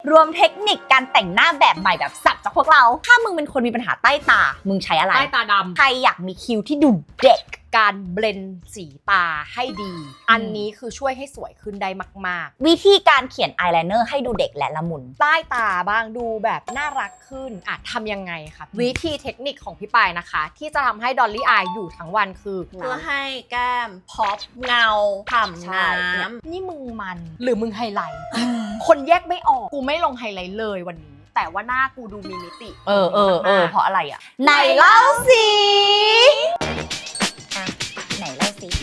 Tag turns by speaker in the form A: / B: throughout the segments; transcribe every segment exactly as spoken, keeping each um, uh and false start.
A: รวมเทคนิคการแต่งหน้าแบบใหม่แบบสับจากพวกเราถ้ามึงเป็นคนมีปัญหาใต้ตามึงใช้อะไร
B: ใต้ตาดำ
A: ใครอยากมีคิ้วที่ดูเด็ก
B: การเบลนด์สีตาให้ดีอันนี้คือช่วยให้สวยขึ้นได้มาก
A: ๆวิธีการเขียนอายไลเนอร์ให้ดูเด็กและละมุน
B: ใต้ตาบ้างดูแบบน่ารักขึ้นอ่ะทำยังไงคะวิธีเทคนิคของพี่ปายนะคะที่จะทำให้ดอลลี่อายอยู่ทั้งวันคือ
C: เพื่อให้แก้มพอปเงาฉ่ำน้ำ
B: นี่มึงมันหรือมึงไฮไลท์คนแยกไม่ออกกูไม่ลงไฮไลท์เลยวันนี้แต่ว่าหน้ากูดูมีมิติ
A: เออเออเออเพราะอะไรอ่ะไหนเล่าสิไหนเล่าสิ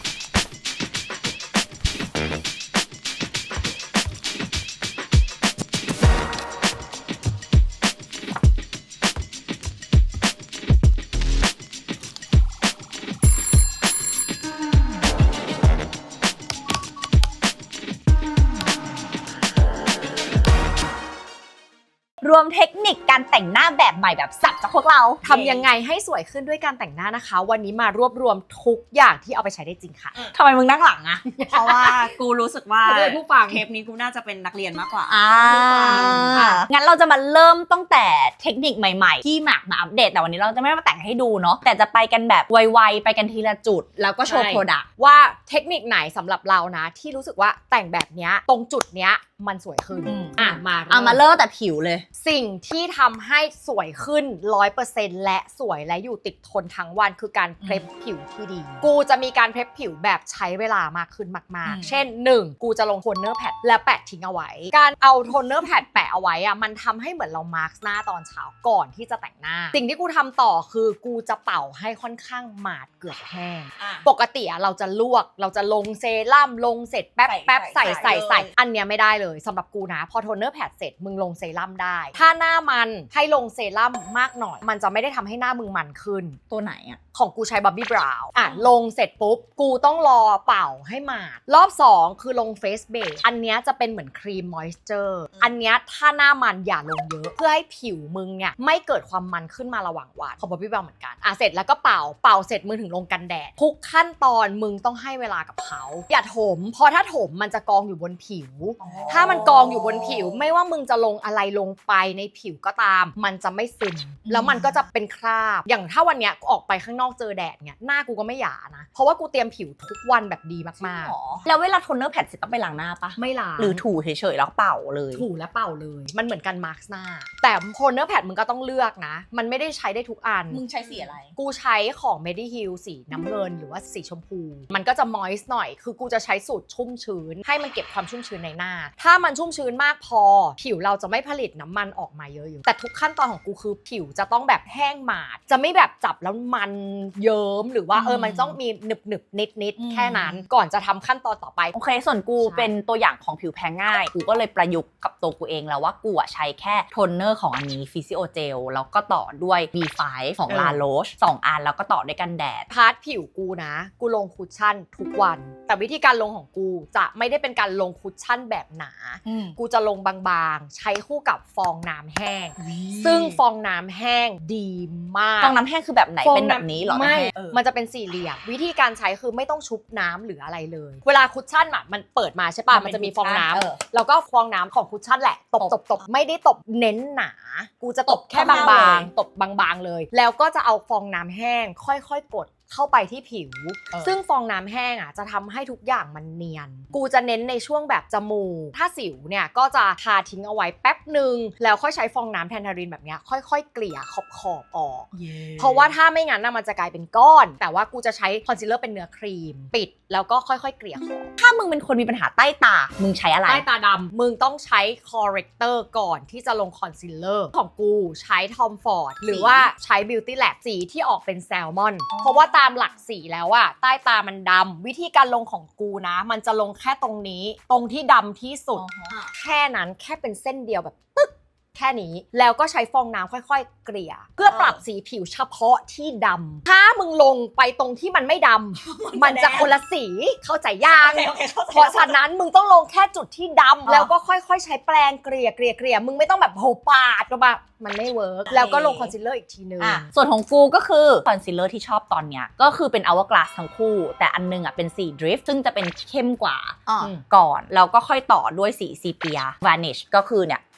A: รวมเทคนิคการแต่งหน้าแบบใหม่แบบสับจากพวกเรา
B: ทำยังไงให้สวยขึ้นด้วยการแต่งหน้านะคะวันนี้มารวบรวมทุกอย่างที่เอาไปใช้ได้จริงค่ะ
A: ทำไมมึงนั่งหลังอะ
C: เพราะว่ากูรู้สึกว่า
B: ผู้ฟัง
C: เทปนี้กูน่าจะเป็นนักเรียนมากกว่า
A: อ่างั้นเราจะมาเริ่มตั้งแต่เทคนิคใหม่ๆที่หมากมาอัปเดตแต่วันนี้เราจะไม่มาแต่งให้ดูเนาะแต่จะไปกันแบบไวๆไปกันทีละจุดแล้วก็โชว์โปรดักต์
B: ว่าเทคนิคไหนสำหรับเรานะที่รู้สึกว่าแต่งแบบเนี้ยตรงจุดเนี้ยมันสวยขึ้น
A: อ่ะมาเอามาเริ่มแต่ผิวเลย
B: สิ่งที่ทำให้สวยขึ้น ร้อยเปอร์เซ็นต์ และสวยและอยู่ติดทนทั้งวันคือการเพลฟผิวที่ดีกูจะมีการเพลฟผิวแบบใช้เวลามากขึ้นมากๆเช่นหนึ่งกูจะลงโทนเนอร์แพดและแปะทิ้งเอาไว้การเอาโทนเนอร์แพดแปะเอาไว้อะมันทำให้เหมือนเรามาร์กหน้าตอนเช้าก่อนที่จะแต่งหน้าสิ่งที่กูทำต่อคือกูจะเป่าให้ค่อนข้างหมาดเกือบแห้งปกติอะเราจะลวกเราจะลงเซรั่มลงเสร็จแป๊บแป๊บใส่ใส่ใส่อันเนี้ยไม่ได้เลยสำหรับกูนะพอโทนเนอร์แพดเสร็จมึงลงเซรั่มได้ถ้าหน้ามันให้ลงเซรั่มมากหน่อยมันจะไม่ได้ทำให้หน้ามึงมันขึ้น
A: ตัวไหนอะ
B: ของกูใช้บับบี้บราวน์อ่ะลงเสร็จปุ๊บกูต้องรอเป่าให้หมาดรอบสองคือลงเฟสเบสอันเนี้ยจะเป็นเหมือนครีมมอยส์เจอร์อันเนี้ยถ้าหน้ามันอย่าลงเยอะเพื่อให้ผิวมึงเนี่ยไม่เกิดความมันขึ้นมาระหว่างวันของบับบี้บราวน์เหมือนกันอ่ะเสร็จแล้วก็เป่าเป่าเสร็จมึงถึงลงกันแดดทุกขั้นตอนมึงต้องให้เวลากับเขาอย่าถมเพราะถ้าถมมันจะกองอยู่บนผิวถ้ามันกองอยู่บนผิวไม่ว่ามึงจะลงอะไรลงไปในผิวก็ตามมันจะไม่ซึมแล้วมันก็จะเป็นคราบอย่างถ้าวันเนี้ยออกไปข้างนอกเจอแดดเนี่ยหน้ากูก็ไม่หยานะเพราะว่ากูเตรียมผิวทุกวันแบบดีมาก
A: ๆแล้วเวลาโทนเนอร์แพดเสร็จต้องไปล้างหน้าปะ
B: ไม่ล้าง
A: หรือถูเฉยๆแล้วเป่าเลย
B: ถูและเป่าเลยมันเหมือนกันมาร์กหน้าแต่โทนเนอร์แพดมึงก็ต้องเลือกนะมันไม่ได้ใช้ได้ทุกอัน
C: มึงใช้สีอะไร
B: กูใช้ของ Mediheal สีน้ำเงินหรือว่าสีชมพูมันก็จะมอยส์หน่อยคือกูจะใช้สูตรชุ่มชื้นให้มันเก็บความชุ่มชื้นในหน้าถ้ามันชุ่มชื้นมากพอผิวเราจะไม่ผลิตน้ำมันออกมาเยอะๆแต่ทุกขั้นตอนของกูคือผิวจะต้องแบบแห้งหมาดจะไม่แบบจับแล้วมันเยิ้มหรือว่าเออมันต้องมีหนึบหนึบนิดนิดแค่นั้นก่อนจะทำขั้นตอนต่อไป
A: โอเคส่วนกูเป็นตัวอย่างของผิวแพ้ง่ายกูก็เลยประยุกต์กับตัวกูเองแล้วว่ากูใช้แค่โทนเนอร์ของอันนี้ฟิซิโอเจลแล้วก็ต่อด้วย บี ไฟว์ ของ La Roche สองอันแล้วก็ต่อด้วยกันแดด
B: พาร์ทผิวกูนะกูลงคุชชั่นทุกวันแต่วิธีการลงของกูจะไม่ได้เป็นการลงคุชชั่นแบบหนากูจะลงบางๆใช้คู่กับฟองน้ำแห้งซึ่งฟองน้ำแห้งดีมาก
A: ฟองน้ำแห้งคือแบบไหนเป็นแบบนี้หรอ
B: ไม่มันจะเป็นสี่เหลี่ยมวิธีการใช้คือไม่ต้องชุบน้ำหรืออะไรเลยเวลาคุชชั่นอะมันเปิดมาใช่ป่ะมันจะมีฟองน้ำแล้วก็ฟองน้ำของคุชชั่นแหละตบตบตบไม่ได้ตบเน้นหนากูจะตบแค่บางๆตบบางๆเลยแล้วก็จะเอาฟองน้ำแห้งค่อยๆกดเข้าไปที่ผิวซึ่งฟองน้ำแห้งอ่ะจะทำให้ทุกอย่างมันเนียนกูจะเน้นในช่วงแบบจมูกถ้าสิวเนี่ยก็จะทาทิ้งเอาไว้แป๊บหนึ่งแล้วค่อยใช้ฟองน้ำแทนทารินแบบเนี้ยค่อยๆเกลี่ยขอบขอบออก yeah. เพราะว่าถ้าไม่งั้นน่ะมันจะกลายเป็นก้อนแต่ว่ากูจะใช้คอนซีลเลอร์เป็นเนื้อครีมปิดแล้วก็ค่อยๆเกลี่ยขอบ
A: ถ้ามึงเป็นคนมีปัญหาใต้ตามึงใช้อะไร
B: ใต้ตาดำมึงต้องใช้คอร์เรคเตอร์ก่อนที่จะลงคอนซีลเลอร์ของกูใช้ทอมฟอร์ดหรือว่าใช้ Beauty Lab สีที่ออกเป็นแซลมอนเพราะว่าตามหลักสีแล้วอะใต้ตามันดำวิธีการลงของกูนะมันจะลงแค่ตรงนี้ตรงที่ดำที่สุด uh-huh. แค่นั้นแค่เป็นเส้นเดียวแบบตึ๊กแค่นี้แล้วก็ใช้ฟองน้ำค่อยๆเกลี่ยเพื่อปรับสีผิวเฉพาะที่ดำถ้ามึงลงไปตรงที่มันไม่ดำ มันจะคนละสีเข้าใจยัง okay, okay, เพราะฉะนั้นมึงต้องลงแค่จุดที่ดำแล้วก็ค่อยๆใช้แปรงเกลี่ยเกลี่ยเกลี่ยมึงไม่ต้องแบบโหปาดก็แบบมันไม่เวิร์กแล้วก็ลงคอนซีลเลอร์อีกทีนึง
A: ส่วนของกูก็คือคอนซีลเลอร์ที่ชอบตอนเนี้ยก็คือเป็น Hourglass ทั้งคู่แต่อันนึงอ่ะเป็นสี Drift ซึ่งจะเป็นเข้มกว่าก่อนแล้วก็ค่อยต่อด้วยสี Sepia Vanish ก็คือเนี่ย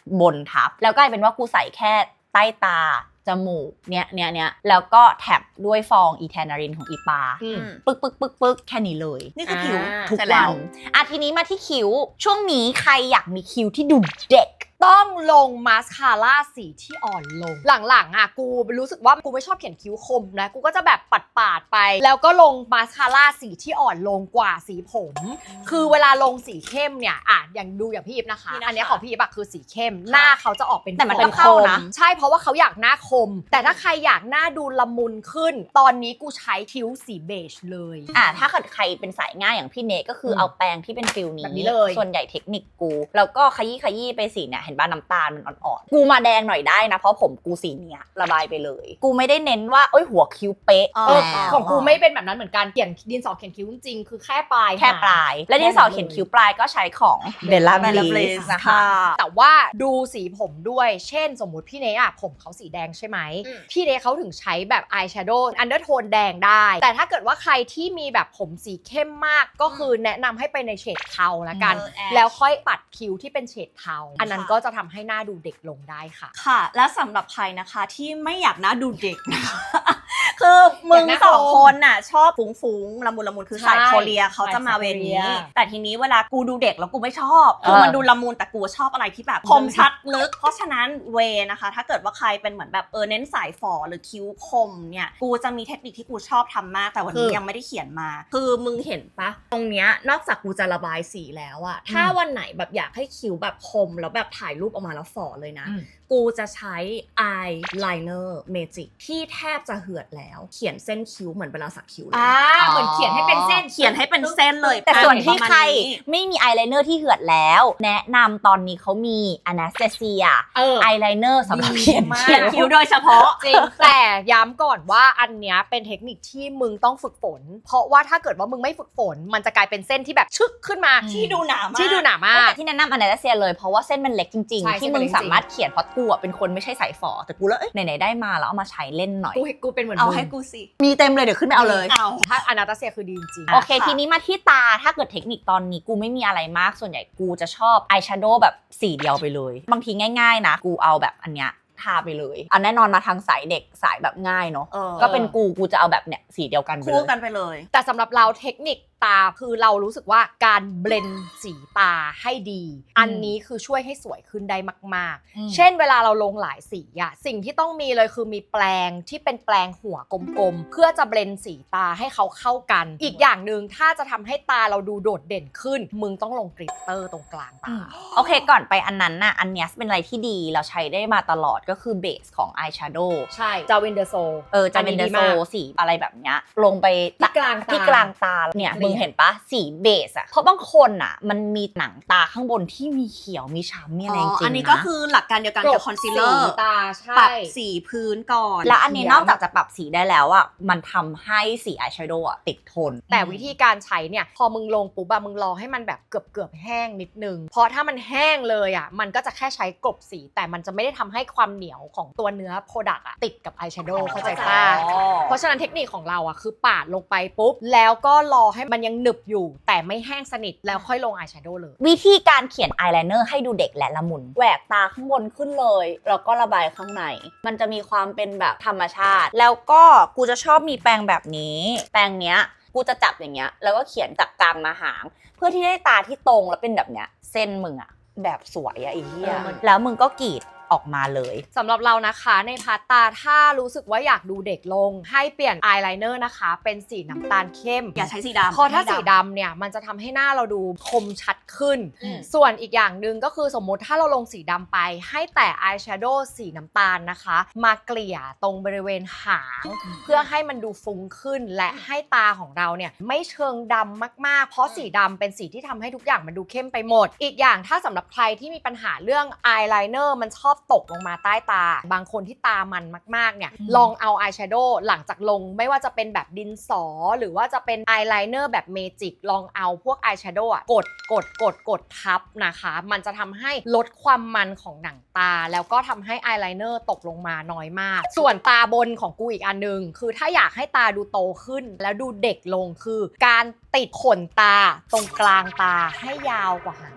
A: บนทับแล้วกลายเป็นว่ากูใส่แค่ใต้ตาจมูกเนี้ยเนี้ยเนี้ยแล้วก็แท็บด้วยฟองอีแทนารินของอีปา
B: อืม
A: ปึ๊กปึ๊กปึ๊กปึ๊กแค่นี้เลย
C: นี่คือผิว
B: อ่า
A: ทุก
C: เสร็จแล้
A: วั
C: วน
A: อ่ะทีนี้มาที่คิ้วช่วงนี้ใครอยากมีคิ้วที่ดูเด็ก
B: ต้องลงมาสคาร่าสีที่อ่อนลงหลังๆอ่ะกูรู้สึกว่ากูไม่ชอบเขียนคิ้วคมนะกูก็จะแบบปัดปาดๆไป แล้วก็ลงมาสคาร่าสีที่อ่อนลงกว่าสีผม คือเวลาลงสีเข้มเนี่ยอ่ะอย่างดูอย่างพี่อีฟนะคะ
C: นี่นะคะ
B: อันเนี้ยของพี่อีฟอะคือสีเข้มหน้าเขาจะออกเป็น
A: แต่มัน
B: ฝ
A: ก็เข้านะ
B: ใช่เพราะว่าเขาอยากหน้าคม แต่ถ้าใครอยากหน้าดูละมุนขึ้น ตอนนี้กูใช้คิ้วสีเบจเลย
A: อ่ะถ้าเกิดใครเป็นสายง่ายอย่างพี่เนก็คืออ
B: ม
A: เอาแปรงที่เป็นฟิลนี้
B: แบบนี้เลย
A: ส่วนใหญ่เทคนิคกู แล้วก็ขยี้ขยี้ไปสีเนี่ยเห็นบ้าน้ำตาลมันอ่อนๆกูมาแดงหน่อยได้นะเพราะผมกูสีเนี้ยระบายไปเลย กูไม่ได้เน้นว่าเอ้ยหัวคิ้วเป๊ะ
C: อ๋อ
B: เออ
A: แล้ว
B: ของกูไม่เป็นแบบนั้นเหมือนกันเขียนดินสอเขียนคิ้วจริงๆคือแค่ปลาย
A: แค่ปลาย และดินสอเขียนคิ้วปลายก็ใช้ของเบลล่า
C: Bella
A: บลี
C: Bliss
A: สนะคะ
C: ค่ะ
B: แต่ว่าดูสีผมด้วย เช่นสมมุติพี่เนยอะผมเขาสีแดงใช่ไหม
C: อืม
B: พี่เนยเขาถึงใช้แบบอายแชโดว์อันเดอร์โทนแดงได้ แต่ถ้าเกิดว่าใครที่มีแบบผมสีเข้มมากก็คือแนะนำให้ไปในเฉดเทาละกัน
C: เออ ash
B: แล้วค่อยปัดคิ้วที่เป็นเฉดเทา อันนั้น
C: ค่ะ
B: ก็จะทำให้หน้าดูเด็กลงได้ค่ะ
C: ค่ะ และสำหรับใครนะคะที่ไม่อยากหน้าดูเด็กนะคะ คือมึง
B: อยากหน้า
C: สอง
B: คม
C: คนน่ะชอบฟุ้งฟุ้งๆละมุนละมุนคือ
B: ใช่
C: สายโคเรียเขาจะมาเวรนี้
B: สายโคเรีย
C: แต่ทีนี้เวลากูดูเด็กแล้วกูไม่ชอบ คือ
A: เออ
C: มันดูละมุนแต่กูชอบอะไรที่แบบคมชัดลึก เพราะฉะนั้นเวนะคะ ถ้าเกิดว่าใครเป็นเหมือนแบบเออเน้นสายฝอหรือคิ้วคมเนี่ยกูจะมีเทคนิคที่กูชอบทำมากแต่วันนี้ยังไม่ได้เขียนมา คือมึงเห็นปะตรงเนี้ยนอกจากกูจะระบายสีแล้วอะถ้าวันไหนแบบอยากให้คิ้วแบบคมแล้วแบบถ่ายรูปออกมาแล้วฝอเลยนะ
B: อืม
C: กูจะใช้อายไลเนอร์เมจิกที่แทบจะเหือดแล้ว เขียนเส้นคิ้วเหมือนเวลาสักคิ้วเลย
B: อ่าเหมือนเขียนให้เป็นเส้น
C: เขียนให้เป็นเส้นเลย
A: แต่ส่วนที่
C: ประมาณ
A: ใคร
C: นี้
A: ไม่มีอายไลเนอร์ที่เหือดแล้ว แนะนำตอนนี้เขามีอนาสเตเซีย
B: เออ
A: อายไลเนอร์สำหรับเขียน
B: ดีมาก
C: เขียนคิ้วโดยเฉพาะ
B: จริง แต่ย้ำก่อนว่าอันเนี้ยเป็นเทคนิคที่มึงต้องฝึกฝน เพราะว่าถ้าเกิดว่ามึงไม่ฝึกฝน มันจะกลายเป็นเส้นที่แบบชึกขึ้นมา
C: ที่ดูหนามาก
B: ที่ดูหนามาก
A: ที่แนะนำอนาสเตเซียเลยเพราะว่าเส้นมันเล็กจริง
B: ใช่
A: ๆ ที่
B: เส้นมั
A: มึ
B: น
A: ง
B: เล็กจริง
A: สามารถเขียนเพราะกูอะเป็นคนไม่ใช่สายฝอแต่กูแล้วเอ้ยไหนๆได้มาแล้วเอามาใช้เล่นหน่อย
B: กูกูเป็นเหมือน
C: เอา
B: มึง
C: ให้กูสิ
A: มีเต็มเลยเดี๋ยวขึ้นไปเอาเลย
C: เอา
B: ถ้าอนาตาเซียคือดีจริง
A: โอเค
C: ค่ะ
A: ทีนี้มาที่ตาถ้าเกิดเทคนิคตอนนี้กูไม่มีอะไรมากส่วนใหญ่กูจะชอบอายแชโดว์แบบสีเดียวไปเลย บางทีง่ายๆนะ กูเอาแบบอันเนี้ยทาไปเลยอันแน่นอนมาทางสายเด็กสายแบบง่ายเนาะ
C: เออ
A: ก็เป็นกูกูจะเอาแบบเนี้ยสีเดียวกันไปเล
C: คู่
A: ย
C: กันไปเลย
B: แต่สำหรับเราเทคนิคตาคือเรารู้สึกว่าการเบลนด์สีตาให้ดี อันนี้คือช่วยให้สวยขึ้นได้มาก
A: อืม
B: ๆ เช่นเวลาเราลงหลายสีอะสิ่งที่ต้องมีเลยคือมีแปรงที่เป็นแปรงหัวกลมๆ เพื่อจะเบลนด์สีตาให้เขาเข้ากัน อีกอย่างหนึ่งถ้าจะทำให้ตาเราดูโดดเด่นขึ้น มึงต้องลงกริตเตอร์ตรงกลางตา
A: โอเคก่อนไปอันนั้นน่ะอันเนี้ยเป็นอะไรที่ดีเราใช้ได้มาตลอดก็คือเบสของอายแชโดว์
B: ใช่จาวินเดอร์โซ
A: เออจะเป็นเดโซสีอะไรแบบเนี้ยลงไป
B: ที่กลางตา
A: ที่กลางตาเนี่ย
B: เรียบ
A: มึงเห็นปะสีเบสอะเพราะบางคนอะมันมีหนังตาข้างบนที่มีเขียวมีช้ำมีอะไรจริงๆนะ
C: อันนี้ก็คือหลักการเดียวกันกับคอนซีลเลอร์
B: สีตาใช่
C: ปรับสีพื้นก่อน
A: แล้วอันนี้นอกจากจะปรับสีได้แล้วอะมันทำให้สีอายแชโดว์อะติดทน
B: แต่วิธีการใช้เนี่ยพอมึงลงปุ๊บอะมึงรอให้มันแบบเกือบเกือบๆแห้งนิดนึงเพราะถ้ามันแห้งเลยอะมันก็จะแค่ใช้กลบสีแต่มันจะไม่ได้ทำให้ความเหนียวของตัวเนื้อโปรดักต์อะติดกับอายแชโดว์เข้าใจป่ะ เพราะฉะนั้นเทคนิคของเราอะคือปาดลงไปปุ๊บแล้วก็รอให้มันยังหนึบอยู่ แต่ไม่แห้งสนิทแล้วค่อยลงอายแชโดว์เลย
A: วิธีการเขียนอายไลเนอร์ให้ดูเด็กและละมุนแหวกตาข้างบนขึ้นเลยแล้วก็ระบายข้างในมันจะมีความเป็นแบบธรรมชาติ แล้วก็กูจะชอบมีแปรงแบบนี้ แปรงเนี้ยกูจะจับอย่างเงี้ยแล้วก็เขียนจากกลางมาหาง เพื่อที่ได้ตาที่ตรงแล้วเป็นแบบเนี้ยเส้นมึงอะแบบสวยอะไอ้เหี้ย
B: เออมัน
A: แล้วมึงก็กรีดออกมาเลย
B: สำหรับเรานะคะในพาร์ตตาถ้ารู้สึกว่าอยากดูเด็กลง ให้เปลี่ยนอายไลเนอร์นะคะเป็นสีน้ำตาลเข้ม
C: อย่าใช้สีดำ
B: เพราะถ้าสีดำเนี่ยมันจะทำให้หน้าเราดูคมชัดขึ้น
A: อืม
B: ส่วนอีกอย่างหนึ่งก็คือสมมติถ้าเราลงสีดำไป ให้แต่อายแชโดว์สีน้ำตาลนะคะ มาเกลี่ยตรงบริเวณหาง เพื่อให้มันดูฟุ้งขึ้นและให้ตาของเราเนี่ยไม่เชิงดำมากๆ เพราะสีดำเป็นสีที่ทำให้ทุกอย่างมันดูเข้มไปหมด อีกอย่างถ้าสำหรับใครที่มีปัญหาเรื่องอายไลเนอร์มันชอบตกลงมาใต้ตา บางคนที่ตามันมากๆเนี่ย
A: อืม
B: ลองเอาอายแชโดว์หลังจากลงไม่ว่าจะเป็นแบบดินสอ หรือว่าจะเป็นอายไลเนอร์แบบเมจิกลองเอาพวกอายแชโดว์อะกดกดกดกดทับนะคะ มันจะทำให้ลดความมันของหนังตา แล้วก็ทำให้อายไลเนอร์ตกลงมาน้อยมาก ส่วนตาบนของกูอีกอันนึง คือถ้าอยากให้ตาดูโตขึ้น แล้วดูเด็กลงคือ การติดขนตาตรงกลางตาให้ยาวกว่าหาง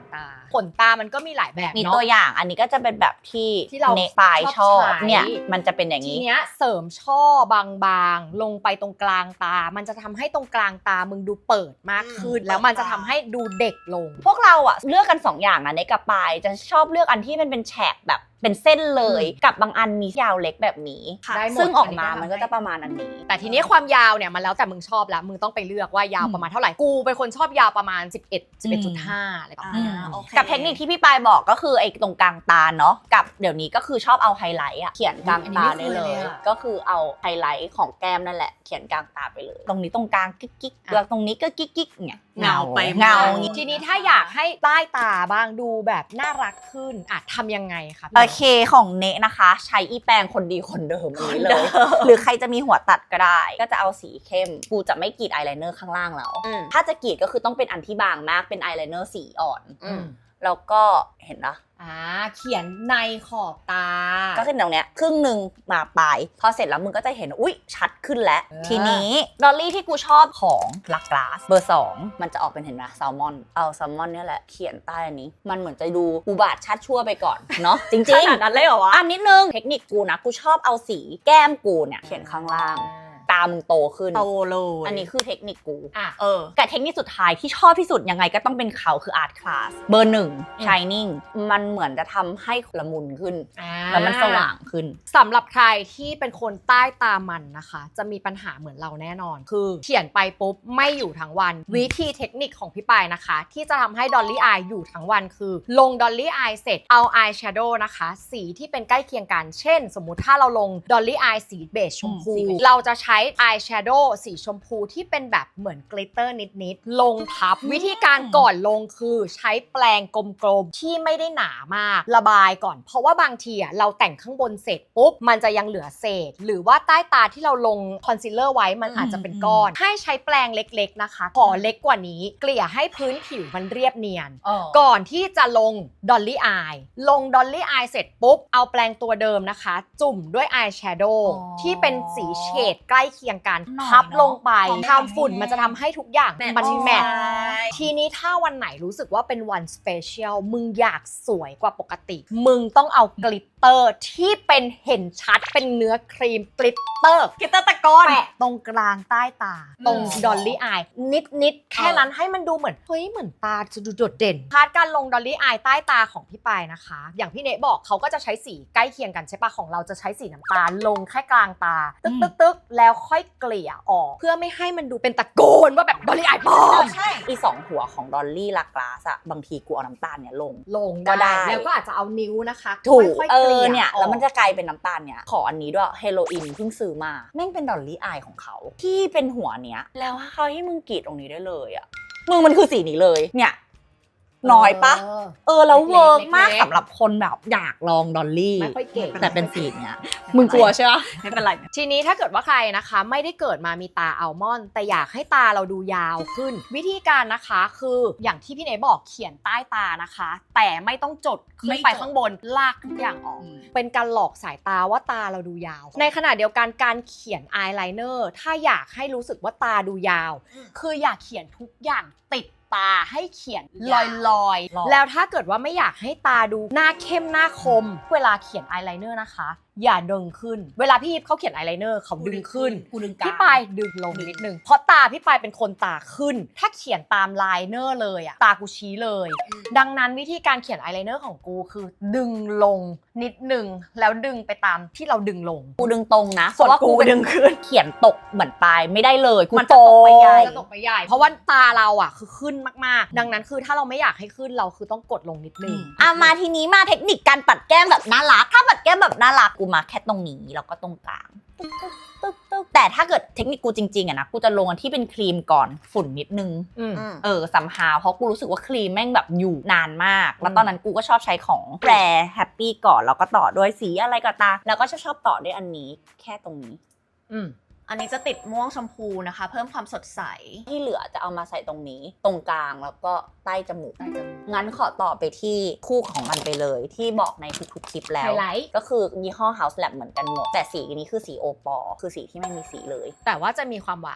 B: ตาขนตามันก็มีหลายแบบ
A: มี
B: เนาะ
A: ตัวอย่างอันนี้ก็จะเป็นแบบที่
B: ที่เรา
A: เนปลาย
B: ช
A: ช
B: อ
A: อ
B: บบ ใช้
A: เนี่ยมันจะเป็นอย่าง
B: ที
A: นี้
B: เนี้ยเสริมช่อบางๆลงไปตรงกลางตา มันจะทำให้ตรงกลางตามึงดูเปิดมากขึ้น
C: อืม
B: แล้วมันจะทำให้ดูเด็กลง
A: พวกเราอะเลือกกันสองอย่างนะเนกับปลายจะชอบเลือกอันที่มันเป็นแฉกแบบเป็นเส้นเลย กับบางอันมียาวเล็กแบบนี้
C: ค่ะ
B: ได้หมด
A: ซึ่งออกมา
B: อันนี้ก็
A: มันก็จะประมาณอันนี้
B: แต่ทีนี้ความยาวเนี่ยมันแล้วแต่มึงชอบแล้วมึงต้องไปเลือกว่ายาวประมาณเท่าไหร่กูเป็นคนชอบยาวประมาณสิบเอ็ด สิบเอ็ดจุดห้าอะไรประมาณ
C: อ่า
B: เนี้ย
C: โอเค
A: กับเทคนิคที่พี่ปายบอกก็คือไอ้ตรงกลางตาเนาะกับเดี๋ยวนี้ก็คือชอบเอาไฮไลท์อะเขียนกลางตาได้เลย ก็คือเอาไฮไลท์ของแก้มนั่นแหละเขียนกลางตาไปเลย ตรงนี้ตรงกลางกิ๊กกิ๊กแล้วตรงนี้ก็กิ๊กกิ๊กเนี่ย
C: เงาไป
A: เงา
B: ทีนี้ถ้าอยากให้ใต้ตาบ้างดูแบบน่ารักขึ้นอ่ะทำยังไงคะพี่
A: โอเคของเนะนะคะ ใช้อีแปรงคนดีคนเดิมอันนี้เลย หรือใครจะมีหัวตัดก็ได้ ก็จะเอาสีเข้มกูจะไม่กรีดอายไลเนอร์ข้างล่างแล้ว
C: อืม
A: ถ้าจะกรีดก็คือต้องเป็นอันที่บางมากเป็นอายไลเนอร์สีอ่อน
C: อืม
A: แล้วก็เห็นนะ
B: อ่าเขียนในขอบตา
A: ก็คือตรงเนี้ยครึ่งหนึ่งมาปลายพอเสร็จแล้วมึงก็จะเห็นอุ๊ยชัดขึ้นแล้ว
B: เออ
A: ทีนี้ดอลลี่ที่กูชอบของลักกลาสเบอร์สองมันจะออกเป็นเห็นไหมแซลมอนเอาแซลมอนเนี่ยแหละเขียนใต้อันนี้มันเหมือนจะดูอุบาทชัดชั่วไปก่อน เนาะจริง
C: ขนาดนั้นเลยเหรอวะ
A: ๆอันนิดนึงเทคนิคกูนะกูชอบเอาสีแก้มกูเนี่ยเขียนข้างล่างตามึงโตขึ้น
C: โตเลย
A: อันนี้คือเทคนิคกู
B: อ่ะ
C: เออ
A: กับเทคนิคสุดท้ายที่ชอบที่สุดยังไงก็ต้องเป็นเขาคือ Art Class เบอร์หนึ่ง
B: อืม
A: Shining มันเหมือนจะทำให้ละมุนขึ้น
B: อ่า
A: แล้วมันสว่างขึ้น
B: สำหรับใครที่เป็นคนใต้ตามันนะคะ จะมีปัญหาเหมือนเราแน่นอน คือเขียนไปปุ๊บไม่อยู่ทั้งวัน วิธีเทคนิคของพี่ปายนะคะ ที่จะทำให้ดอลลี่อายอยู่ทั้งวันคือ ลงดอลลี่อายเสร็จเอาอายแชโดว์นะคะ สีที่เป็นใกล้เคียงกัน เช่น สมมุติถ้าเราลงดอลลี่อายสีเบจชมพู
A: อืมสีเบจ
B: เราจะใช้อายแชโดว์สีชมพูที่เป็นแบบเหมือนกลิตเตอร์นิดๆลงทับ วิธีการก่อนลงคือใช้แปรงกลมๆที่ไม่ได้หนามากระบายก่อน เพราะว่าบางทีอ่ะเราแต่งข้างบนเสร็จปุ๊บมันจะยังเหลือเศษ หรือว่าใต้ตาที่เราลงคอนซีลเลอร์ไว้มันอาจจะเป็นก้อน ให้ใช้แปรงเล็กๆนะคะขอเล็กกว่านี้ เกลี่ยให้พื้นผิวมันเรียบเนียน ก่อนที่จะลงดอลลี่อายลงดอลลี่อายเสร็จปุ๊บ เอาแปรงตัวเดิมนะคะ จุ่มด้วยอายแชโดว์
A: อ๋อ
B: ที่เป็นสีเฉดใกล้เคียงกัน
A: หน่อย
B: ทับลงไป
A: เนอะ
B: ทำฝุ่นมันจะทำให้ทุกอย่าง
C: แมท
B: มัน
C: ช์
B: แมท
C: ใช่
B: ทีนี้ถ้าวันไหนรู้สึกว่าเป็นวันสเปเชียลมึงอยากสวยกว่าปกติ มึงต้องเอากลิตเตอร์ที่เป็นเห็นชัดเป็นเนื้อครีมกลิตเตอร์
C: กิตเตอร์ตะกอน
B: แปะตรงกลางใต้ตา ตรงดอลลี่อายนิดนิดๆแค่นั้นให้มันดูเหมือนเฮ้ยเหมือนตาจะดูโดดเด่นพาร์ทการลงดอลลี่อายใต้ตาของพี่ปายนะคะ อย่างพี่เนทบอกเขาก็จะใช้สีใกล้เคียงกันใช่ปะของเราจะใช้สีน้ำตาลลงแค่กลางตา ตึกตึกตึกแล้วค่อยเกลี่ยออก เพื่อไม่ให้มันดูเป็นตะโกนว่าแบบดอลลี่อายปลอม
C: ใช่
A: อีสองหัวของดอลลี่ลักกลาสอะบางทีกูเอาน้ำตาลเนี่ยลง
B: ลง
A: ก็ได้
B: ได้แล้วก็อาจจะเอานิ้วนะคะ
A: ถูก
B: ค่อยๆ
A: เอ
B: เกลี่
A: อย เนี่ย
B: ออก
A: แล้วมันจะกลายเป็นน้ำตาลเนี่ยขออันนี้ด้วยเฮโรอีนเพิ่งซื้อมาแม่งเป็นดอลลี่อายของเขาที่เป็นหัวเนี้ยแล้วเขาให้มึงกรีดตรงนี้ได้เลยอะมึงมันคือสีนี้เลยเนี่ยน้อยปะ
B: เออ
A: เออแล้วเวิร์กมาก
B: เล็กๆ
A: สำหรับคนแบบอยากลองดอลลี่
B: ไม่ค่อยเก่ง
A: แต่เป็นสีเนี้ยมึงกลัวใช่ปะ
C: ไม่เป็นไร
B: ทีนี้ถ้าเกิดว่าใครนะคะไม่ได้เกิดมามีตาอัลมอนด์แต่อยากให้ตาเราดูยาวขึ้น วิธีการนะคะคืออย่างที่พี่เนยบอกเขียนใต้ตานะคะ แต่ไม่ต้องจดขึ้นไปข้างบนลากทุกอย่างออก เป็นการหลอกสายตาว่าตาเราดูยาว ในขณะเดียวกันการเขียนอายไลเนอร์ถ้าอยากให้รู้สึกว่าตาดูยาว คืออยากเขียนทุกอย่างติดตาให้เขียนลอย
A: หลอก
B: ๆ แล้วถ้าเกิดว่าไม่อยากให้ตาดูหน้าเข้มหน้าคม เวลาเขียนอายไลเนอร์นะคะ อย่าดึงขึ้น เวลาพี่ยิปเขาเขียนอายไลเนอร์เขาดึงขึ้น
A: กูดึงกลาง
B: พี่ปายดึงลงนิดนึง เพราะตาพี่ปายเป็นคนตาขึ้น ถ้าเขียนตามไลเนอร์เลยอะตากูชี้เลย ดังนั้นวิธีการเขียนอายไลเนอร์ของกูคือ ดึงลงนิดนึงแล้วดึงไปตามที่เราดึงลง
A: กูดึงตรงนะ
C: ส่วน
A: เพราะว่า
C: กู
A: เป็น
C: ดึงขึ้น
A: เขียนตกเหมือนปลายไม่ได้เลยกู
C: มันจะตกไปใหญ่
B: จะตกไปใหญ่ เพราะว่าตาเราอ่ะคือขึ้นมากๆ ดังนั้นคือถ้าเราไม่อยากให้ขึ้นเราคือต้องกดลงนิดนึง
A: อ่ะมาทีนี้มาเทคนิคการปัดแก้มแบบน่ารักถ้าปัดแก้มแบบน่ารักกูมาแค่ตรงนี้แล้วก็ตรงกลางตึ๊กตึ๊กตึ๊กตึ๊กแต่ถ้าเกิดเทคนิคกูจริงๆอะนะกูจะลงอันที่เป็นครีมก่อนฝุ่นนิดนึง
B: อืม
A: เออสัมหาเพราะกูรู้สึกว่าครีมแม่งแบบอยู่นานมาก แล้วตอนนั้นกูก็ชอบใช้ของแปรแฮปปี้ก่อนแล้วก็ต่อด้วยสีอะไรก็ตามแล้วก็ชอบชอบต่อด้วยอันนี้แค่ตรงนี้
B: อืม
C: อันนี้จะติดม่วงชมพูนะคะ เพิ่มความสดใส
A: ที่เหลือจะเอามาใส่ตรงนี้ตรงกลางแล้วก็ใต้จมูกงั้นขอต่อไปที่คู่ของมันไปเลยที่บอกในทุกๆคลิปแล้ว
B: ไฮไลท์
A: ก็คือยี่ห้อ House Lab เหมือนกันหมดแต่สีนี้คือสีโอปอคือสีที่ไม่มีสีเลย
B: แต่ว่าจะมีความวาว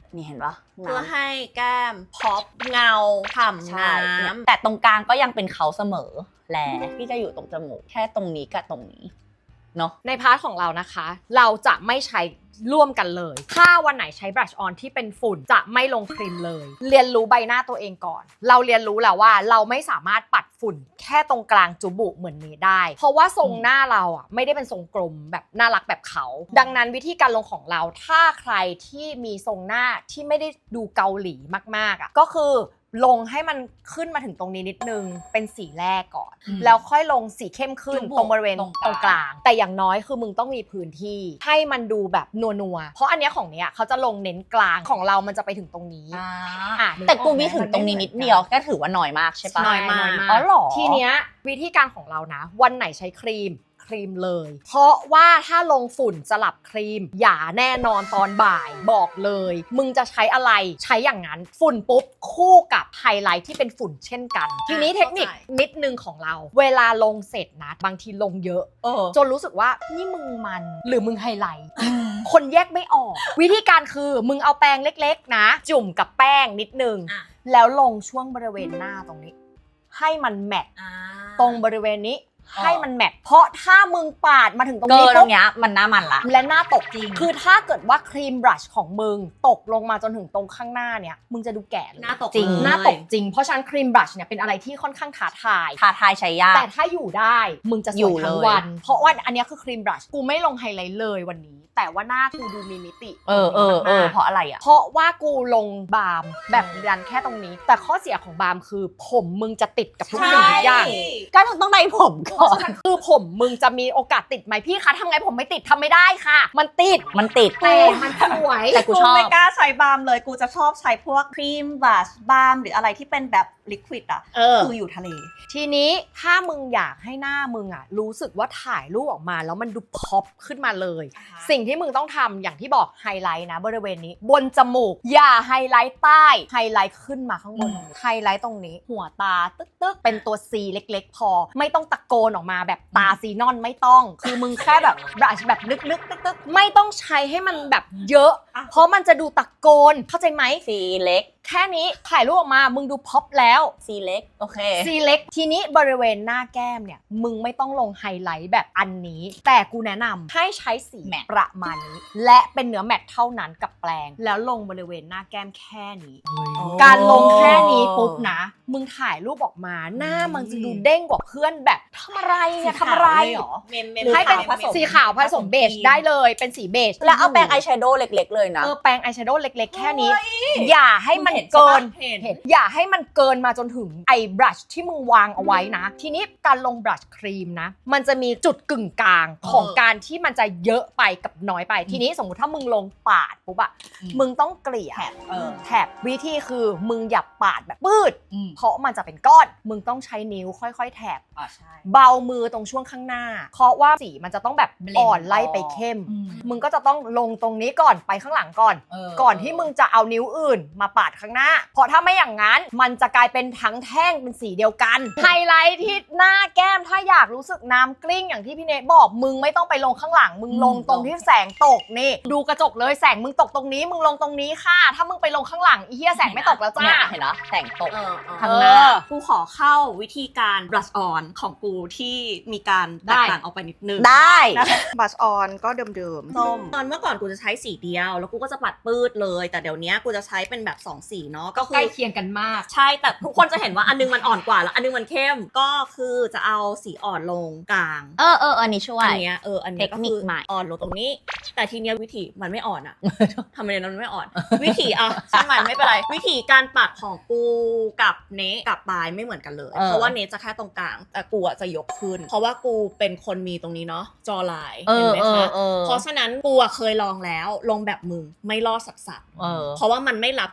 A: นี่เห็นปะ
C: เพื่อให้แก้มพอปเงาฉ่ำ
A: ใช่
C: น้ำ
A: แต่ตรงกลางก็ยังเป็นเขาเสมอแลที่จะอยู่ตรงจมูกแค่ตรงนี้กับตรงนี้เนาะ
B: ในพาร์ทของเรานะคะ เราจะไม่ใช้ร่วมกันเลย ถ้าวันไหนใช้บลัชออนที่เป็นฝุ่นจะไม่ลงครีมเลย เรียนรู้ใบหน้าตัวเองก่อน เราเรียนรู้แล้วว่าเราไม่สามารถปัดฝุ่นแค่ตรงกลางจุบุเหมือนนี้ได้ เพราะว่าทรงหน้าเราอ่ะไม่ได้เป็นทรงกลมแบบน่ารักแบบเขา ดังนั้นวิธีการลงของเราถ้าใครที่มีทรงหน้าที่ไม่ได้ดูเกาหลีมากๆอ่ะก็คือลงให้มันขึ้นมาถึงตรงนี้นิดนึงเป็นสีแรกก่อน
A: อืม
B: แล้วค่อยลงสีเข้มขึ้น
A: จุบุ
B: ตรงบริเวณ
A: ตรงก
B: ต
A: ลาง
B: รงกลาง แต่อย่างน้อยคือมึงต้องมีพื้นที่ให้มันดูแบบนัวๆเพราะอันเนี้ยของเนี้ยเขาจะลงเน้นกลางของเรามันจะไปถึงตรงนี้
A: อ่า
B: อ่ะ
A: แต่กูมีถึงตรงนี้นิดเดียวก็ถือว่าน้อยมากใช่ปะ
C: น้อยมาก
A: อ๋อเหรอ
B: ทีเนี้ยวิธีการของเรานะ วันไหนใช้ครีมครีมเลย เพราะว่าถ้าลงฝุ่นสลับครีมอย่าแน่นอนตอนบ่ายบอกเลย มึงจะใช้อะไรใช้อย่างนั้นฝุ่นปุ๊บคู่กับไฮไลท์ที่เป็นฝุ่นเช่นกัน ทีนี้เทคนิคนิดนึงของเรา เวลาลงเสร็จนะบางทีลงเยอะ
A: เออ
B: จนรู้สึกว่านี่มึงมันหรือมึงไฮไลท์ คนแยกไม่ออก วิธีการคือมึงเอาแป้งเล็กๆนะ จุ่มกับแป้งนิดนึง
C: อ่ะ
B: แล้วลงช่วงบริเวณหน้าตรงนี้ ให้มันแมท
C: อ่า
B: ตรงบริเวณนี้
A: อ๋อ
B: ให้มันแมทเพราะถ้ามึงปาดมาถึงตรง
A: เกิ
B: นี้
A: นตร
B: ปุ๊บ
A: งเนี้ยมันหน้ามันละ
B: และหน้าตก
A: จริง
B: คือถ้าเกิดว่าครีมบรัชของมึงตกลงมาจนถึงตรงข้างหน้าเนี่ยมึงจะดูแก่เลย
C: หน้าตก
A: จริง
C: เลย
B: หน้าตกจริงเพราะฉะนั้นครีมบรัชเนี่ยเป็นอะไรที่ค่อนข้างท้าทาย
A: ท้าทายใช้ยาก
B: แต่ถ้าอยู่ได้มึงจะส
A: อยู่
B: วยทั้ง
A: เลย
B: วัน เพราะว่าอันเนี้ยคือครีมบรัชกูไม่ลงไฮไลท์เลยวันนี้ แต่ว่าหน้ากูดูมีมิติ
A: เออเออเออ
B: มากๆ
A: เพราะอะไรอ่ะ
B: เพราะว่ากูลงบาล์มแบบดันแค่ตรงนี้ แต่ข้อเสียของบาล์มคือผมมึงจะติดกับทุกสิ่งทุกอย่าง
A: ก็ต้องได้ผมก่อน
B: คือผมมึงจะมีโอกาสติดไหมพี่คะทำไงผมไม่ติดทำไม่ได้ค่ะ มันติด
A: มันติด
B: แต่มันสวย
A: แต่กูชอบ
C: ไม่กล้าใช้บาล์มเลย กูจะชอบใช้พวกครีมบลัชบาล์มหรืออะไรที่เป็นแบบลิควิดอ่ะ
B: เออ
C: คืออยู่ทะเล
B: ทีนี้ถ้ามึงอยากให้หน้ามึงอ่ะรู้สึกว่าถ่ายรูปออกมาแล้วมันดูพ็อปขึ้นมาเลย
C: อ่าฮะ
B: สิ่งที่มึงต้องทำอย่างที่บอกไฮไลท์นะบริเวณนี้ บนจมูก อย่าไฮไลท์ใต้ไฮไลท์ขึ้นมาข้างบน
A: อืม
B: ไฮไลท์ตรงนี้ หัวตาตึ๊กตึ๊กเป็นตัว C เล็กๆ พอ ไม่ต้องตะโกนออกมาแบบตาซีนอนไม่ต้อง คือมึงแค่แบบบรัชแบบลึกๆตึ๊กๆไม่ต้องใช้ให้มันแบบเยอะ
C: อ่ะ
B: เพราะมันจะดูตะโกนเข้าใจไหม
A: สีเล็ก
B: แค่นี้ถ่ายรูปออกมามึงดูพ็อปแล้ว
A: สีเล็ก โอเค
B: ซีเล็กทีนี้บริเวณหน้าแก้มเนี่ยมึงไม่ต้องลงไฮไลท์แบบอันนี้ แต่กูแนะนำให้ใช้สี
A: แมท
B: ประมาณนี้ และเป็นเนื้อแมทเท่านั้นกับแปรงแล้วลงบริเวณหน้าแก้มแค่นี้ การลงแค่นี้ปุ๊บนะ มึงถ่ายรูปออกมาหน้ามันจะดูเด้งกว่าเพื่อนแบบทำอะไรเนี่ยทำอะไร
C: สีขาวเลยเหรอเมมเมม
B: ให้เป็น
C: ขาวผสม
B: สีขาวผสมเบจได้เลยเป็นสีเบจ
A: แล้วเอาแปรงอายแชโดว์เล็กๆเลยนะ
B: เออแปรงอายแชโดว์เล็กๆ แค่นี้ อย่าให้มัน
C: มึงเห็น
B: เกิน
C: ใช่ปะเห็น
B: เห็นอย่าให้มันเกินมาจนถึงไอ้บรัชที่มึงวางเอาไว้นะ ทีนี้การลงบรัชครีมนะ มันจะมีจุดกึ่งกลางของ
C: เออ
B: การที่มันจะเยอะไปกับน้อยไป ทีนี้สมมติถ้ามึงลงปาดปุ๊บอะ
A: อืม
B: มึงต้องเกลี่ย
C: แถบเออ
B: แถบวิธีคือมึงอย่าปาดแบบปืด
A: อืม
B: เพราะมันจะเป็นก้อน มึงต้องใช้นิ้วค่อยๆ แถบ
A: อ่าใช่
B: เบามือตรงช่วงข้างหน้า เพราะว่าสีมันจะต้องแบบ
A: Blend
B: อ่อนไล่ไปเข้ม
A: อืม
B: มึงก็จะต้องลงตรงนี้ก่อนไปข้างหลังก่อน
A: เออ
B: ก่อนที่มึงจะเอานิ้วอื่นมาปาดข้างหน้า เพราะถ้าไม่อย่างนั้น มันจะกลายเป็นทั้งแท่งเป็นสีเดียวกัน ไฮไลท์ที่หน้าแก้มถ้าอยากรู้สึกน้ำกลิ้งอย่างที่พี่เนทบอก มึงไม่ต้องไปลงข้างหลัง มึงลงตรงที่แสงตกนี่ ดูกระจกเลยแสงมึงตกตรงนี้ มึงลงตรงนี้ค่ะ ถ้ามึงไปลงข้างหลังอีเหี้ยแสงไม่ตกแล้วจ้า
A: เห็นเนาะแต่งตก
C: เออเออ
A: ข้างหน้า
B: เออ
C: กูขอเข้าวิธีการ brush on ของกูที่มีการแตกต่างออกไปนิดนึง
A: ได้
C: บัชออนก็เดิมๆส้มตอนเมื่อก่อนกูจะใช้สีเดียว แล้วกูก็จะปัดปืดเลย แต่เดี๋ยวนี้กูจะใช้เป็นแบบสองสีเนาะก็คื
B: ใกล้
C: อ
B: เคียงกันมาก
C: ใช่แต่ทุกคนจะเห็นว่าอันนึงมันอ่อนกว่าแล้วอันนึงมันเข้มก็คือจะเอาสีอ่อนลงกลาง
A: เออเอออันนี้ช่วย
C: อันเนี้ยเอออันเนี้ยก็
A: เทคนิ
C: คื
A: ค
C: อ
A: ใหม่
C: อ่อนลงตรงนี้ แต่ทีเนี้ยวิธีมันไม่อ่อน อะทำไมนั้นมันไม่อ่อน วิธีอะช่างมันไม่เป็นไรวิธีการปัดของกูกับเนทกับปลายไม่เหมือนกันเลย
A: เออ
C: เพราะว่าเนทจะแค่ตรงกลางแต่กูอะจะยกขึ้น เพราะว่ากูเป็นคนมีตรงนี้เนาะจอลาย
A: เอ
C: เห็น
A: อ
C: ไหม
A: เออ
C: คะ
A: เออ
C: เพราะฉะนั้นกูอะเคยลองแล้วลงแบบมึงไม่รอดสักสัก
A: เออ
C: เพราะว่ามันไม่รับกับโครง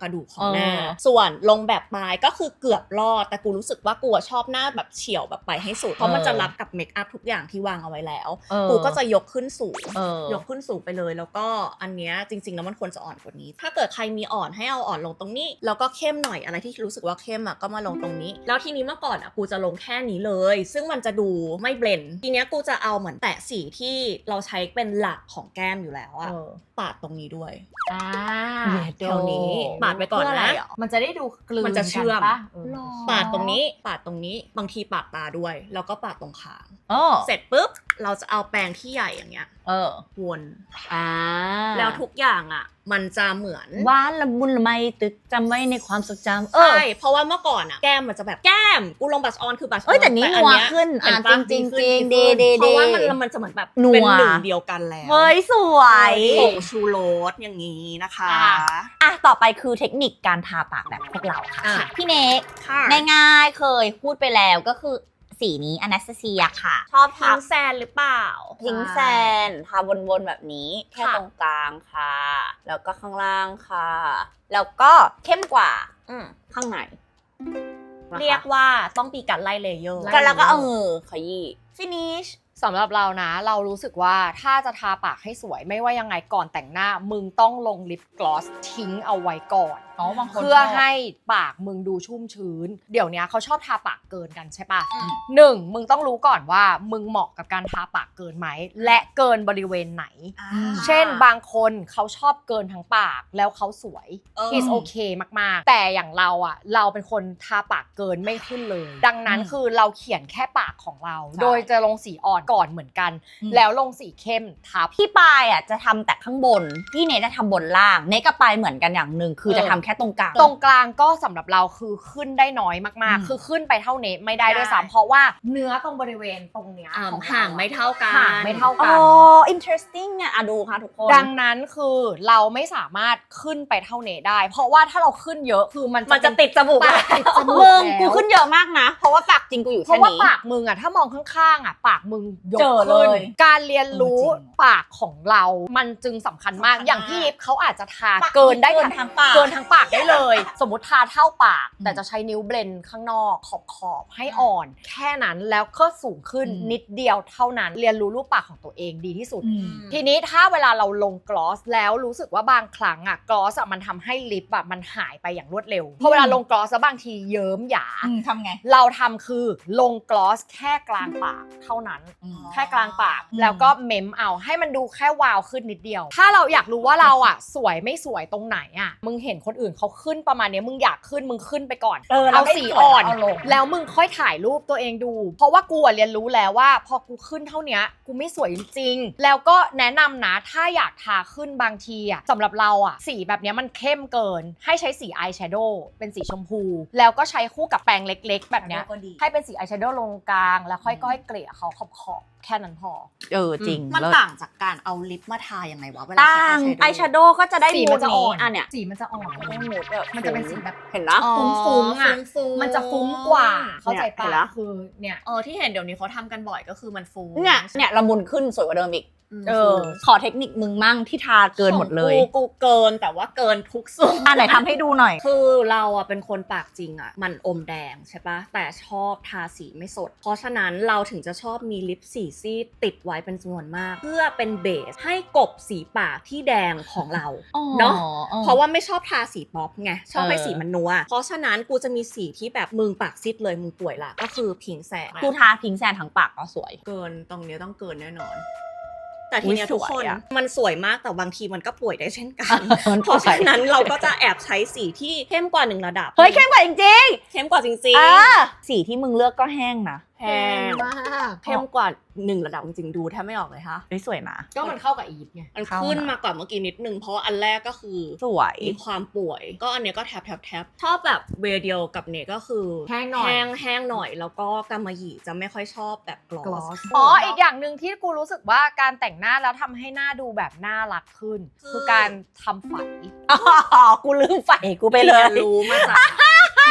C: กระดูกของหน้า
A: เออ
C: ส่วนลงแบบปลายก็คือเกือบรอดแต่กูรู้สึกว่ากูอะชอบหน้าแบบเฉียวแบบไปให้สุดเพราะมันจะรับกับเมคอัพทุกอย่างที่วางเอาไว้แล้ว
A: เออ
C: กูก็จะยกขึ้นสูง
A: เออย
C: กขึ้นสูงไปเลยแล้วก็อันเนี้ยจริงๆแล้วมันควรจะอ่อนกว่านี้ ถ้าเกิดใครมีอ่อนให้เอาอ่อนลงตรงนี้แล้วก็เข้มหน่อยอะไรที่รู้สึกว่าเข้มอ่ะก็มาลงตรงนี้ แล้วทีนี้เมื่อก่อนอ่ะกูจะลงแค่นี้เลย ซึ่งมันจะดูไม่เบลนด์ทีเนี้ยกูจะเอาเหมือนแตะสีที่เราใช้เป็นหลักของแก้มอยู่แล้วอ่ะ
A: เออ
C: ปาดตรงนี้ด้วย
B: อ่า
A: เดี๋ยว
C: แถวนี้ปาดไปก่อน
A: เพื่ออะไร
C: นะ
A: อ่ะ
B: มันจะได้ดูกลืน
C: มันจะเชื่อม
B: กันปะเออ
A: หรอ
C: ปาดตรงนี้ปาดตรงนี้บางทีปาดตาด้วย แล้วก็ปาดตรงคาง
A: เออ
C: เสร็จปุ๊บเราจะเอาแปรงที่ใหญ่อย่างเงี้ย
A: เออ
C: วน
A: อ่า
C: แล้วทุกอย่างอ่ะ มันจะเหมือน
A: หวานละมุนละไมตึกจำไว้ในความทรงจำเออ
C: ใช่เพราะว่าเมื่อก่อนอ่ะแก้มมันจะแบบแก้มกูลงบัชออนคือบัชออน
A: เอ้ยแต่นี่
C: อั
A: นัว
C: เย
A: ขึ้น
C: เห็
A: อ่ะ
C: ปะ
A: จริงๆ
C: ขึ้น
A: จริง
C: ขึ้น
A: ดีๆ
C: เพราะว่า
A: ดี
C: มันมันจะเหมือนแบบ
A: นัว
C: เป็นหนึ่งเดียวกันแล้ว
A: เฮ้ยสวย
C: ผงชูรสอย่างนี้นะคะ
B: อ่ะ
A: อ่ะต่อไปคือเทคนิคการทาปากแบบพวกเราค่ะ
C: อ่ะ
A: พี่เนก
C: ค่ะ
A: ง่ายๆเคยพูดไปแล้วก็คือสีนี้อนาสตาเซียค่ะ ชอบ
C: พิ
A: ทาง
C: แซนหรือเปล่า
A: พิงแซนทาวนๆแบบนี้แค่
C: ค่ะ
A: ตรงกลางค่ะ แล้วก็ข้างล่างค่ะ แล้วก็เข้มกว่า
C: อืม
A: ข้างใน
C: เรียกว่าต้องมีการไล่เลเยอร์
A: ก็แล้วก็เอามือขยี้ finish
B: สำหรับเรานะเรารู้สึกว่าถ้าจะทาปากให้สวยไม่ว่ายังไงก่อนแต่งหน้า มึงต้องลงลิปกลอสทิ้งเอาไว้ก่อน
A: อ๋อบางคน
B: เพื่อ
A: ชบ
B: ให้ปากมึงดูชุ่มชื้น เดี๋ยวนี้เขาชอบทาปากเกินกันใช่ปะ
A: อืม
B: หนึ่งมึงต้องรู้ก่อนว่ามึงเหมาะกับการทาปากเกินไหมและเกินบริเวณไหน
C: อ่า
B: เช่นบางคนเขาชอบเกินทั้งปากแล้วเขาสวย
C: เออ
B: is okay มากๆ แต่อย่างเราอ่ะเราเป็นคนทาปากเกินไม่ขึ้นเลย ดังนั้น
A: อืม
B: คือเราเขียนแค่ปากของเรา
A: ใช่
B: โดยจะลงสีอ่อนก่อนเหมือนกัน
A: อืม
B: แล้วลงสีเข้มทับ
A: พี่ปายอ่ะจะทำแต่ข้างบน พี่เนทจะทำบนล่าง เนทกับปายเหมือนกันอย่างหนึ่งคือ
B: เออ
A: จะทำแค่ตรงกลาง
B: ตรงกลางก็สำหรับเราคือขึ้นได้น้อยมาก
A: อืม
B: ๆ คือขึ้นไปเท่าเนตไม่ได้ด้วย
C: ได้
B: ซ้ำเพราะว่าเนื้อตรงบริเวณตรงเนี้ย
C: อ่า
B: ของเร
C: ห่างไม่เท่ากัน
B: ห่างไม่เท่า
A: โอ้
B: กัน
A: interesting เนี่ยอ่ะดูค่ะทุกคน
B: ดังนั้นคือเราไม่สามารถขึ้นไปเท่าเนได้ เพราะว่าถ้าเราขึ้นเยอะคือมัน
C: มันจะ
B: เป็
C: ติดจมูก
B: ปากติดจมูก
A: มึง
B: แล้ว
A: กูขึ้นเยอะมากนะ เพราะว่าปากจริงกูอยู่
B: เพ
A: แค่
B: ราะว่า
A: นี้
B: ปากมึงอะถ้ามองข้างๆอะปากมึงยก
A: เจอเล
B: ขึ้น
A: ย
B: การเรียนรู้
A: เออจริง
B: ปากของเรามันจึงสำคัญมาก
C: สำคัญมาก
B: อย่างพี่ลิฟเขาอาจจะทาเกินได้
A: เกินทั้งปาก
B: เกินทั้งปากได้เลย สมมติทาเท่าปาก
A: อืม
B: แต่จะใช้นิ้วเบลนด์ข้างนอกขอบขอบๆให้อ่อน แค่นั้นแล้วก็สูงขึ้น
A: อืม
B: นิดเดียวเท่านั้น เรียนรู้รูปปากของตัวเองดีที่สุด
A: อืม
B: ทีนี้ถ้าเวลาเราลงกลอสแล้วรู้สึกว่าบางครั้งอะกลอสอะมันทำให้ลิปอะมันหายไปอย่างรวดเร็วพอเวลาลงกลอสแล้วบางทีเยิ้มหยา
A: อืมทำไง
B: เราทำคือลงกลอสแค่กลางปากเท่านั้น
A: อืม
B: แค่กลางปาก
A: อืม
B: แล้วก็เม้มเอาให้มันดูแค่วาวขึ้นนิดเดียว ถ้าเราอยากรู้ว่าเราอ่ะ สวยไม่สวยตรงไหนอ่ะมึงเห็นคนอื่นเขาขึ้นประมาณเนี้ยมึงอยากขึ้นมึงขึ้นไปก่อน
A: เออ
B: เอา
A: แล้วไม่
B: สี
A: สวย
B: อ่อน
A: เอาลง
B: แล้วมึงค่อยถ่ายรูปตัวเองดู เพราะว่ากูอะเรียนรู้แล้วว่า พอกูขึ้นเท่าเนี้ยกูไม่สวยจริงๆแล้วก็แนะนำนะถ้าอยากทาขึ้นบางทีอ่ะสำหรับเราอ่ะสีแบบเนี้ยมันเข้มเกิน ให้ใช้สีอายแชโดว์เป็นสีชมพู แล้วก็ใช้คู่กับแปรงเล็กๆ แบบเนี้ย
A: ก็ดี
B: ให้เป็นสีอายแชโดว์ลงกลาง แล้วค่อยๆเกลี่ยเขาขอบๆแค่นั้นพอ
A: เออจริง
C: มัน
A: เลิศ
C: ต่างจากการเอาลิปมาทายังไงวะเวลา
A: ต่า
C: ใช้
A: งไอ
C: อาย
A: แช
C: แชโด
A: โด
C: ว์
A: ว์ก็จะได้
B: สี
A: มู
B: มั
A: ด
B: จะอ่
A: นี้
B: อน
A: อ่ะเนี่ย
B: สีมันจะอ่อน
A: ก็ได้มูดแบบ
B: มันจะเป็นสีแบบ
A: เห็นนะ
B: อ๋อ ฟุ้งๆอะ
C: ฟุ้งๆ
B: มันจะฟุ้งกว่า เข้าใจ
A: เนี่ยเห็
B: ปะ
A: นปะ
B: คือเนี่ย
C: เออที่เห็นเดี๋ยวนี้เขาทำกันบ่อยก็คือมันฟู
A: เนี่ยเนี่ยละมุนขึ้นสวยกว่าเดิมอีก
C: ม
A: เออ ขอเทคนิคมึงมั่งที่ทาเกินหมดเลย
C: ของกูกูเกินแต่ว่าเกินทุกส่วน
A: อ่ะไหนทำให้ดูหน่อย
C: คือเราอ่ะเป็นคนปากจริงอ่ะมันอมแดงใช่ปะแต่ชอบทาสีไม่สด เพราะฉะนั้นเราถึงจะชอบมีลิปสีซีดติดไว้เป็นจำนวนมาก เพื่อเป็นเบสให้กลบสีปากที่แดงของเรา เนอะ เพราะว่าไม่ชอบทาสีป๊อปไงชอบให้
A: เออ
C: สีมันนัวเพราะฉะนั้นกูจะมีสีที่แบบมึงปากซีดเลยมึงป่วยละก็คือพิงแสง
A: กูทาพิงแซนทั้งปากก็สวย
C: เกินตรงเนี้ยต้องเกินแน่นอน แต่ทีเนี้ย
A: อุ๊ย
C: ทุกคน
A: สวยอะ
C: มันสวยมากแต่บางทีมันก็ป่วยได้เช่นกัน
A: มัน
C: เพราะฉะนั้นเราก็จะแอบใช้สีที่เข้มกว่าหนึ่งระดับ
A: เฮ้ยเข้มกว่าจริง
C: เข้มกว่าจริง
A: ๆเออสีที่มึงเลือกก็แห้งนะ
C: ๆแห้ง
B: มาก
C: เข้มกว่าหนึ่งระดับจริงๆดูแทบไม่ออกเลยค่ะ
A: เฮ้ยสวยนะ
B: ก็มันเข้ากับอีฟไง
C: มัน
A: เข้า
C: ขึ้น
A: นะ
C: มากว่าเมื่อกี้นิดนึงเพราะว่าอันแรกก็คือ
A: สวย
C: มีความป่วย ก็อันเนี้ยก็แทบแทบแทบชอบแบบเวย์เดียวกับเนก็คือ
B: แห้งหน่อย
C: แห้งแห้งหน่อยแล้วก็กำมะหยี่จะไม่ค่อยชอบแบบกลอ
B: กลอ
C: ส
B: สอ๋ออีกอย่างหนึ่งที่กูรู้สึกว่าการแต่งหน้าแล้วทำให้หน้าดูแบบน่ารักขึ้น คือการทำฝัน
A: อ๋อกูลืมไฟกูไปเลย
C: รีนรู้มาจาก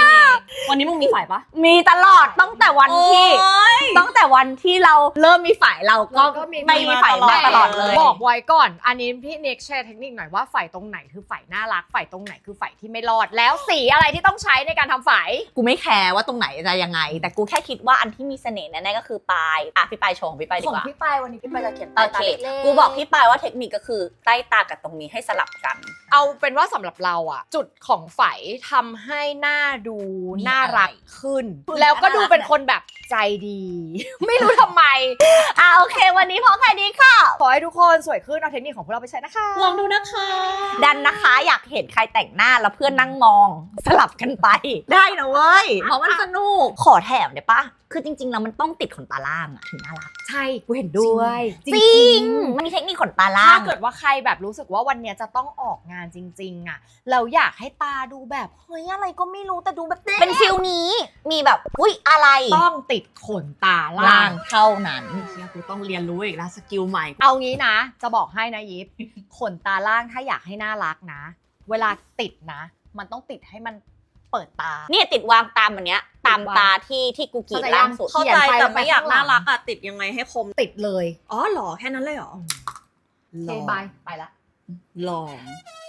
C: พี่เนกวันนี้มึงมีฝ่ายปะ
A: มีตลอดตั้งแต่วันที่
C: โอ๊ย
A: ตั้งแต่วันที่เราเริ่มมีฝ่ายเราก็
B: ก็มี
A: ไม่มีฝ่ายมาตลอดเลย
B: บอกไว้ก่อน อันนี้พี่เน็กแชร์เทคนิคหน่อยว่าฝ่ายตรงไหนคือฝ่ายน่ารักฝ่ายตรงไหนคือฝ่ายที่ไม่รอด แล้วสีอะไรที่ต้องใช้ในการทำฝ่าย
A: กูไม่แคร์ว่าตรงไหนจะยังไง แต่กูแค่คิดว่าอันที่มีเสน่ห์แน่ๆก็คือปลายอ่ะพี่ปลายโชว์ของพี่ปลายดี
B: ของ
A: กว่า
B: พี่ปายวันนี้พี่ปายจะเขียน
A: โอ
B: ใต้ตา
A: เค
B: เล็กๆ
A: กูบอกพี่ปลายว่าเทคนิคก็คือใต้ตากับตรงนี้ให้สลับกัน
B: เอาเป็นว่าสำหรับเราอะจุดของฝ่ายทำให้หน้าดู
A: มี
B: น่ารัก
A: อะไร
B: ขึ้น
A: ขึ้น
B: แล้วก็ดู
A: น่ารัก
B: เป็นคนแบบใจดี ไม่รู้ทำไม
A: อ่ะโอเค วันนี้พอแค่นี้ค่ะ
B: ขอให้ทุกคนสวยขึ้นเอาเทคนิคของพวกเราไปใช้นะคะ
C: ลองดูนะคะ
A: ดันนะคะอยากเห็นใครแต่งหน้าแล้วเพื่อนนั่งมองสลับกันไป ได้นะเว้ย เพราะมันสนุก ขอแถมได้ปะคือจริงๆแล้วมันต้องติดขนตาล่างอะถึงน่ารัก
B: ใช่กูเห็นด้วย
A: จริงมันมีเทคนิคขนตาล่า
B: ถ้าง เกิดว่าใครแบบรู้สึกว่าวันเนี้ยจะต้องออกงานจริง ๆอะเราอยากให้ตาดูแบบเฮ้ยอะไรก็ไม่รู้แต่ดูแบบ
A: เป็นฟิลนี้มีแบบอุ้ยอะไร
B: ต้องติดขนตาล่า
A: ล่าง งเท่านั้น
C: เชี่ยกูต้องเรียนรู้อีกแล้วสกิลใหม่
B: เอางี้นะ จะบอกให้นะยิป ขนตาล่างถ้าอยากให้น่ารักนะ เวลาติดนะ มันต้องติดให้มันเปิดตา
A: เนี่ยติดวางตามอันเนี้ยตามตาที่ที่กูกรีดล่างสุด
C: เข้าใจแต่ไม่อยากน่ารักอะติดยังไงให้คม
B: ติดเลย
C: อ๋อเหรอแค่นั้นเลยเหรอ
B: โอเคบายไปละ
C: ลอง